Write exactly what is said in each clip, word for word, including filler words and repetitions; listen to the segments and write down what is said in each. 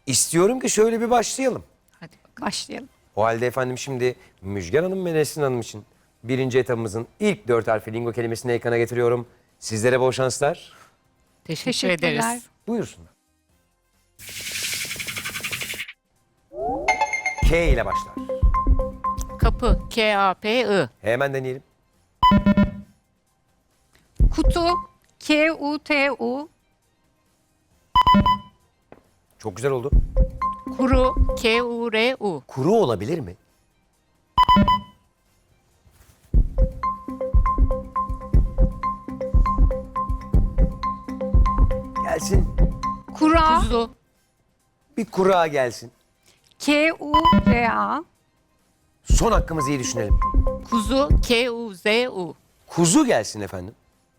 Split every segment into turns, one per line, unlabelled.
İstiyorum ki şöyle bir başlayalım.
Hadi bakalım.
Başlayalım.
O halde efendim şimdi Müjgan Hanım ve Nesrin Hanım için birinci etabımızın ilk dört harfi lingo kelimesini ekrana getiriyorum. Sizlere bol şanslar.
Teşekkür
Teşekkürler.
ederiz.
Buyursunlar. K ile başlar.
Kapı. K A P I.
Hemen deneyelim.
Kutu. K U T U.
Çok güzel oldu.
Kuru. K U R U.
Kuru olabilir mi? Gelsin.
Kura.
Kuzu.
Bir kura gelsin.
K U R A.
Son hakkımızı iyi düşünelim.
Kuzu. K U Z U.
Kuzu gelsin efendim.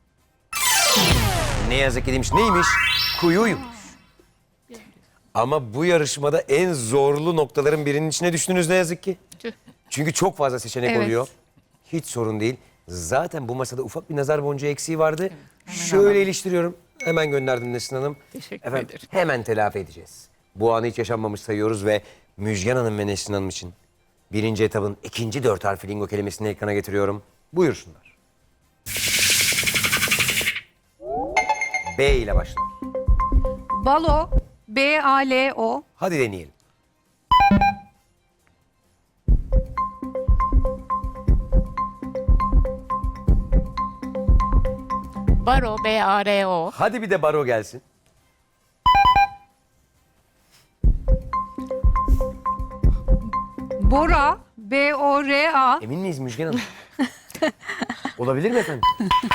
Ne yazık ki demiş. Neymiş? Kuyuymuş. Ama bu yarışmada en zorlu noktaların birinin içine düştünüz ne yazık ki.
Tüh.
Çünkü çok fazla seçenek
Evet.
oluyor. Hiç sorun değil. Zaten bu masada ufak bir nazar boncuğu eksiği vardı. Şöyle iliştiriyorum. Hemen gönderdim Nesrin Hanım.
Teşekkür
Efendim,
ederim.
hemen telafi edeceğiz. Bu anı hiç yaşanmamış sayıyoruz ve Müjgan Hanım ve Nesrin Hanım için birinci etabın ikinci dört harfi lingo kelimesini ekrana getiriyorum. Buyursunlar. B ile başlar.
Balo. B A L O.
Hadi deneyelim.
Baro. B A R O.
Hadi bir de baro gelsin.
Bora. B O R A.
Emin miyiz Müjgan Hanım? Olabilir mi efendim?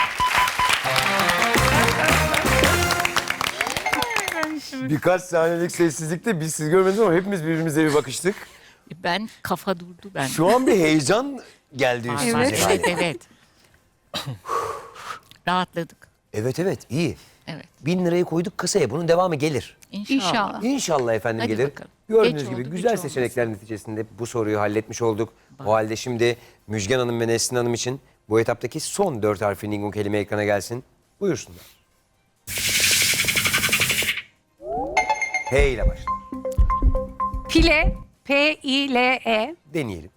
Birkaç saniyelik sessizlikte biz siz görmediniz ama hepimiz birbirimize bir bakıştık.
Ben kafa durdu ben.
Şu an bir heyecan geldi üstümüze.
Evet,
galiba.
evet, evet. Rahatladık.
Evet evet iyi.
Evet.
Bin lirayı koyduk kasaya bunun devamı gelir.
İnşallah.
İnşallah.
İnşallah efendim
Hadi
gelir.
bakalım.
Gördüğünüz
Geç
gibi
oldu,
güzel
güç
seçenekler neticesinde bu soruyu halletmiş olduk. O halde şimdi Müjgan Hanım ve Nesrin Hanım için bu etaptaki son dört harfli lingo kelime ekrana gelsin. Buyursunlar. P ile başlar.
Pile. P I L E.
Deneyelim.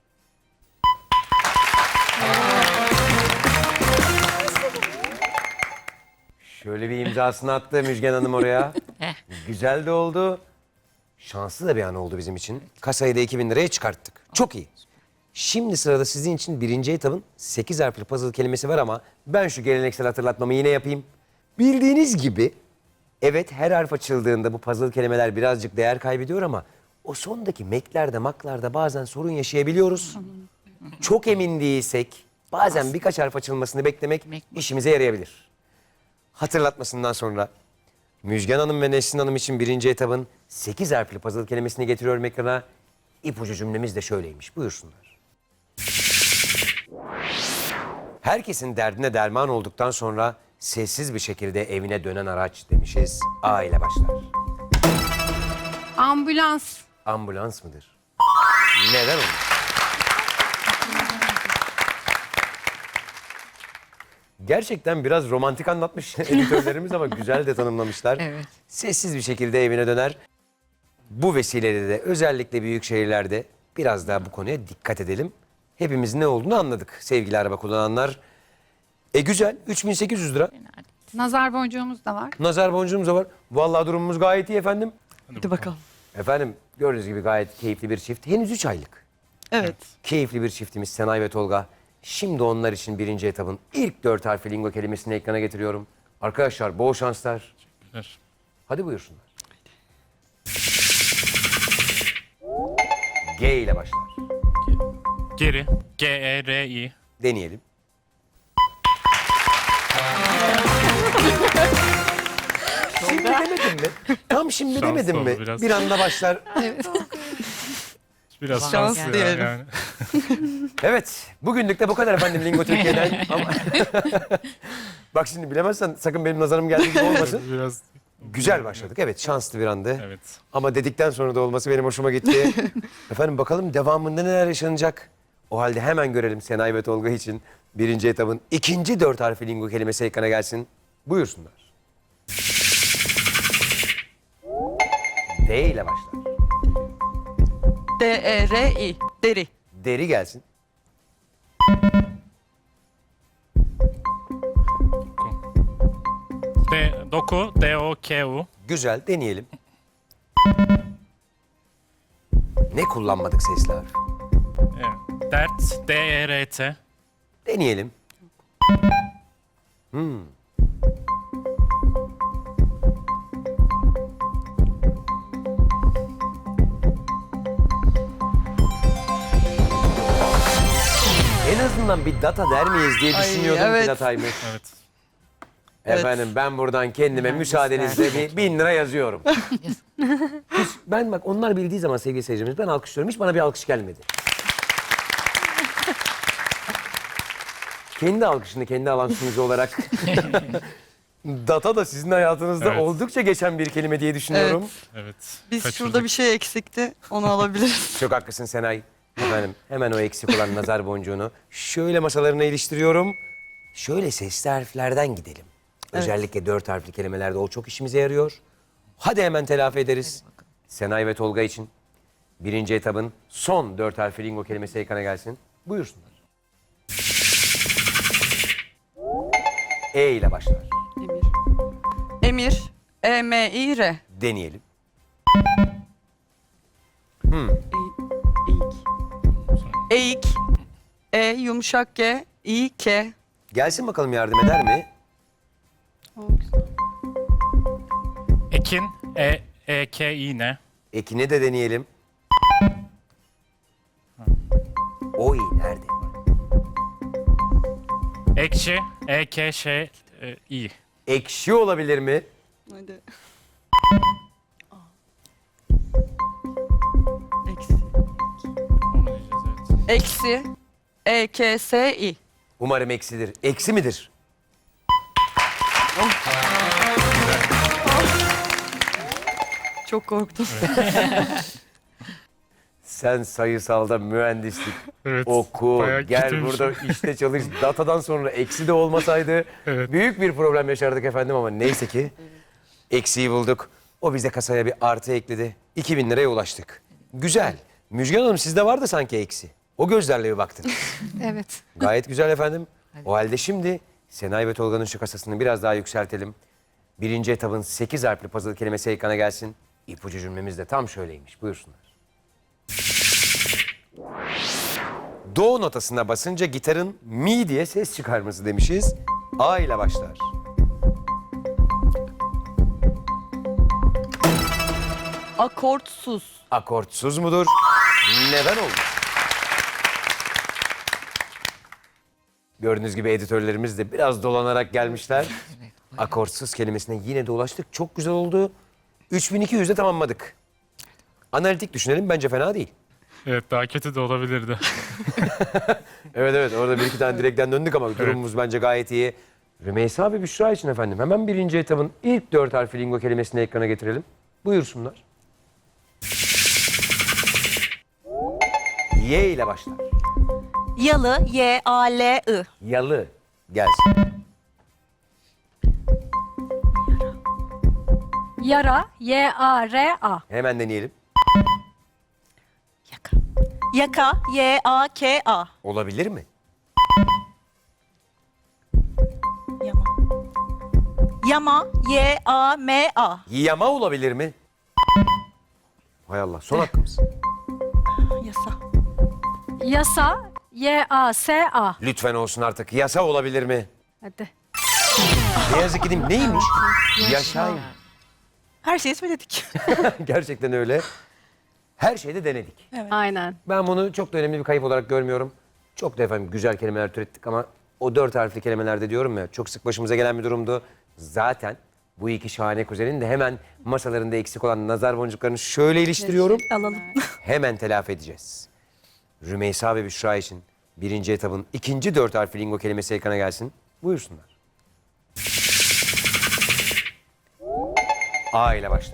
Şöyle bir imzasını attı Müjgan Hanım oraya.
Heh.
Güzel de oldu. Şanslı da bir an oldu bizim için. Kasayı da iki bin liraya çıkarttık. Çok iyi. Şimdi sırada sizin için birinci etabın sekiz harfli puzzle kelimesi var ama ben şu geleneksel hatırlatmamı yine yapayım. Bildiğiniz gibi evet her harf açıldığında bu puzzle kelimeler birazcık değer kaybediyor ama o sondaki meklerde maklarda bazen sorun yaşayabiliyoruz. Çok emin değilsek bazen birkaç harf açılmasını beklemek işimize yarayabilir. Hatırlatmasından sonra Müjgan Hanım ve Nesrin Hanım için birinci etabın sekiz harfli puzzle kelimesini getiriyorum ekrana. İpucu cümlemiz de şöyleymiş. Buyursunlar. Herkesin derdine derman olduktan sonra sessiz bir şekilde evine dönen araç demişiz. A ile başlar.
Ambulans.
Ambulans mıdır? Neden olur? Gerçekten biraz romantik anlatmış editörlerimiz ama güzel de tanımlamışlar.
Evet.
Sessiz bir şekilde evine döner. Bu vesileyle de özellikle büyük şehirlerde biraz daha bu konuya dikkat edelim. Hepimiz ne olduğunu anladık sevgili araba kullananlar. E güzel üç bin sekiz yüz lira.
Nazar boncuğumuz da var.
Nazar boncuğumuz da var. Vallahi durumumuz gayet iyi efendim.
Hadi bakalım.
Efendim gördüğünüz gibi gayet keyifli bir çift. Henüz üç aylık.
Evet.
Keyifli bir çiftimiz Senay ve Tolga. Şimdi onlar için birinci etabın ilk dört harfli lingo kelimesini ekrana getiriyorum. Arkadaşlar bol şanslar. Hadi buyursunlar. G ile başlar.
Geri. G E R I.
Deneyelim. Şimdi demedim mi? Tam şimdi
Şanslı
demedim mi?
oldu biraz.
Bir anda başlar.
Biraz
Şans
şans ya,
diyelim.
yani.
Evet, bugünlük de bu kadar efendim Lingo Türkiye'den. Ama... Bak şimdi bilemezsen sakın benim nazarım geldiği gibi olmasın.
Biraz
Güzel başladık. Evet, şanslı bir andı.
evet.
Ama dedikten sonra da olması benim hoşuma gitti. Efendim bakalım devamında neler yaşanacak? O halde hemen görelim Senay ve Tolga için birinci etabın ikinci dört harfli lingo kelimesi ekrana gelsin. Buyursunlar. D ile başlar.
D E R I. Deri.
Deri gelsin.
D, doku, D O K U.
Güzel, deneyelim. Ne kullanmadık sesli harf?
Evet. Dert, D E R T.
Deneyelim. Hmm. En azından bir data der miyiz diye
Ay,
düşünüyordum ki
evet.
dataymış.
Evet.
Evet.
Efendim ben buradan kendime müsaadenizle bir bin lira yazıyorum. Hiç- ben bak onlar bildiği zaman sevgili seyircimiz ben alkışlıyorum. Hiç bana bir alkış gelmedi. kendi alkışını kendi alkışınız olarak data da sizin hayatınızda
Evet.
oldukça geçen bir kelime diye düşünüyorum.
Evet.
Biz
Kaçırdık.
şurada bir şey eksikti. Onu alabiliriz.
Çok haklısın Senay. Efendim hemen o eksik olan nazar boncuğunu şöyle masalarına iliştiriyorum. Şöyle sesli harflerden gidelim. Özellikle dört harfli kelimelerde o çok işimize yarıyor. Hadi hemen telafi ederiz. Senay ve Tolga için birinci etabın son dört harfli lingo kelimesi ekrana gelsin. Buyursunlar. E ile başlar.
Emir. Emir. E M İ R.
Deneyelim.
Eğik. Eğik. E yumuşak G. İ K.
Gelsin bakalım yardım eder mi?
O güzel.
Ekin, E, E K İ N.
Ekine de deneyelim. O i nerede?
Ekşi, E K Ş e, İ.
Ekşi olabilir mi?
Hadi. Eksi.
Onu diyeceğiz evet.
Eksi. E K S İ.
Umarım eksidir. Eksi midir?
Çok korktum.
Sen sayısalda mühendislik
Evet,
oku,
bayağı
gel
kötüymüş.
burada işte çalış. Datadan sonra eksi de olmasaydı
Evet.
büyük bir problem yaşardık efendim ama neyse ki eksiği bulduk. O bize kasaya bir artı ekledi. iki bin liraya ulaştık. Güzel. Müjgan Hanım sizde vardı sanki eksi. O gözlerle bir baktınız.
Evet.
Gayet güzel efendim. O halde şimdi Senay ve Tolga'nın şu kasasını biraz daha yükseltelim. Birinci etabın sekiz harfli puzzle kelimesi ekrana gelsin. İpucu cümlemiz de tam şöyleymiş. Buyursunlar. Do notasına basınca gitarın mi diye ses çıkarması demişiz. A ile başlar.
Akortsuz.
Akortsuz mudur? Neden olmuş? Gördüğünüz gibi editörlerimiz de biraz dolanarak gelmişler. Akortsuz kelimesine yine de ulaştık. Çok güzel oldu. üç bin iki yüzde tamamladık. Analitik düşünelim bence fena değil.
Evet daha kötü de olabilirdi.
Evet evet orada bir iki tane direkten döndük ama durumumuz bence gayet iyi. Rümeysa ve Büşra için efendim hemen birinci etabın ilk dört harfli lingo kelimesini ekrana getirelim. Buyursunlar. Y ile başlar.
Yalı, Y A L I.
Yalı gelsin.
Yara, Y A R A.
Hemen deneyelim.
Yaka. Yaka, Y A K A.
Olabilir mi?
Yama. Yama, Y A M A.
Yama olabilir mi? Hay Allah son hakkımız.
Yasa.
Yasa, Y A S A.
Lütfen olsun artık. Yasa olabilir mi?
Hadi.
Ne yazık ki değil mi? Neymiş? Yaşa.
Her şeyi söyledik.
Gerçekten öyle. Her şeyde denedik.
Aynen.
Ben bunu çok da önemli bir kayıp olarak görmüyorum. Çok da efendim güzel kelimeler türettik ama o dört harfli kelimelerde diyorum ya çok sık başımıza gelen bir durumdu. Zaten bu iki şahane kuzenin de hemen masalarında eksik olan nazar boncuklarını şöyle iliştiriyorum.
Alalım.
Hemen telafi edeceğiz. Rümeysa ve Büşra için birinci etabın ikinci dört harfli lingo kelimesi ekrana gelsin. Buyursunlar. A ile başlar.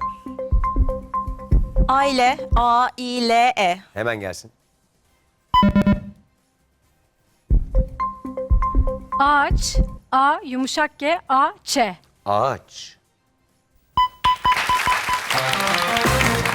Aile, A I L E.
Hemen gelsin.
Ağaç, A yumuşak G A Ç.
Ağaç.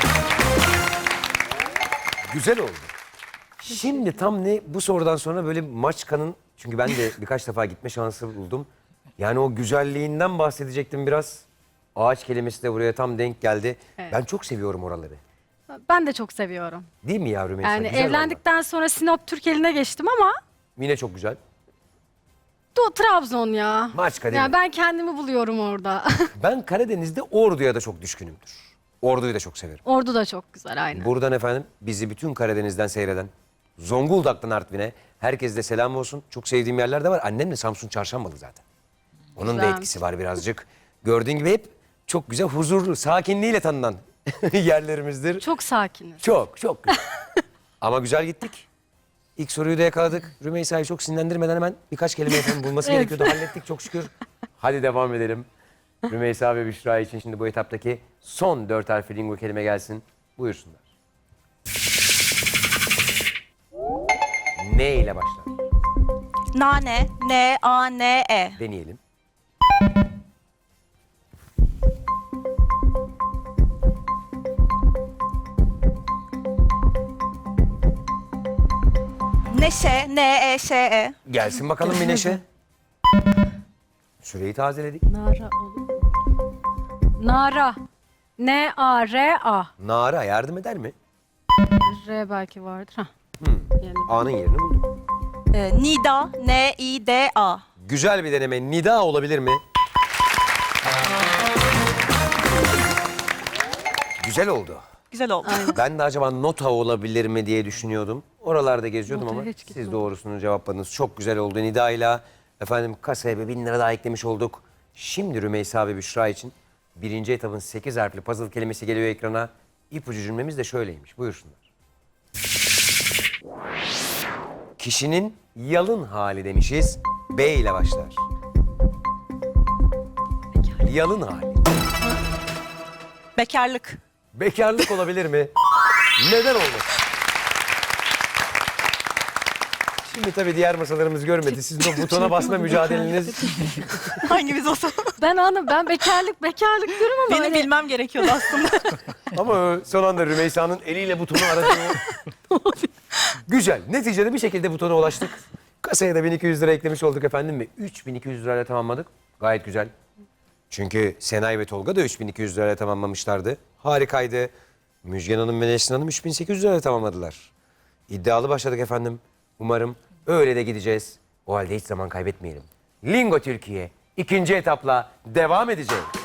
Güzel oldu. Şimdi tam ne bu sorudan sonra böyle Maçka'nın, çünkü ben de birkaç defa gitme şansı buldum. Yani o güzelliğinden bahsedecektim biraz. Ağaç kelimesi de buraya tam denk geldi.
Evet.
Ben çok seviyorum oraları.
Ben de çok seviyorum.
Değil mi yavrum?
Yani evlendikten sonra Sinop Türkeli'ne geçtim ama
Yine çok güzel.
Do Trabzon ya.
Maçka değil
Ya
mi?
ben kendimi buluyorum orada.
Ben Karadeniz'de Ordu'ya da çok düşkünümdür. Ordu'yu da çok severim.
Ordu da çok güzel aynen.
Buradan efendim bizi bütün Karadeniz'den seyreden, Zonguldak'tan Artvin'e herkese de selam olsun. Çok sevdiğim yerler de var. Annem de Samsun Çarşambalı zaten. Onun da
Güzelmiş.
etkisi var birazcık. Gördüğün gibi hep çok güzel, huzurlu, sakinliğiyle tanınan yerlerimizdir.
Çok sakiniz.
Çok, çok güzel. Ama güzel gittik. İlk soruyu da yakaladık. Rümeysa'yı çok sinirlendirmeden hemen birkaç kelime efendim bulması
Evet.
gerekiyordu. Hallettik çok şükür. Hadi devam edelim. Rümeysa ve Büşra için şimdi bu etaptaki son dört harfli lingo kelime gelsin. Buyursunlar. Ne ile başlar?
Nane. N A N E.
Deneyelim.
Neşe. N E Ş E.
Gelsin bakalım bir neşe. Süreyi tazeledik.
Nara olur. Nara. N A R A.
Nara yardım eder mi?
R belki vardır. Hah. Yani
A'nın yerini bulduk.
Ee, Nida. N I D A.
Güzel bir deneme. Nida olabilir mi? Güzel oldu.
Güzel oldu.
Ben de acaba nota olabilir mi diye düşünüyordum. Oralarda geziyordum
Notaya
ama
hiç
siz
gitmedim.
doğrusunu cevapladınız. Çok güzel oldu. Nida'yla efendim kasaya bir bin lira daha eklemiş olduk. Şimdi Rümeysa ve Büşra için birinci etapın sekiz harfli puzzle kelimesi geliyor ekrana. İpucu cümlemiz de şöyleymiş. Buyursunlar. Kişinin yalın hali demişiz. B ile başlar. Yalın hali.
Bekarlık.
Bekarlık olabilir mi? Neden olmasın? Şimdi tabii diğer masalarımız görmedi. Sizin o butona basma mücadeleniz.
Hangimiz olsa.
ben anladım. Ben bekarlık bekarlık diyorum ama
Benim
hani-
bilmem gerekiyordu aslında.
Ama o son anda Rümeysa'nın eliyle butonu aradığı o- Güzel. Neticede bir şekilde butona ulaştık. Kasaya da bin iki yüz lira eklemiş olduk efendim ve üç bin iki yüz lirayla tamamladık. Gayet güzel. Çünkü Senay ve Tolga da üç bin iki yüz lirayla tamamlamışlardı. Harikaydı. Müjgan Hanım ve Nesrin Hanım üç bin sekiz yüz lirayla tamamladılar. İddialı başladık efendim. Umarım öyle de gideceğiz. O halde hiç zaman kaybetmeyelim. Lingo Türkiye ikinci etapla devam edecek.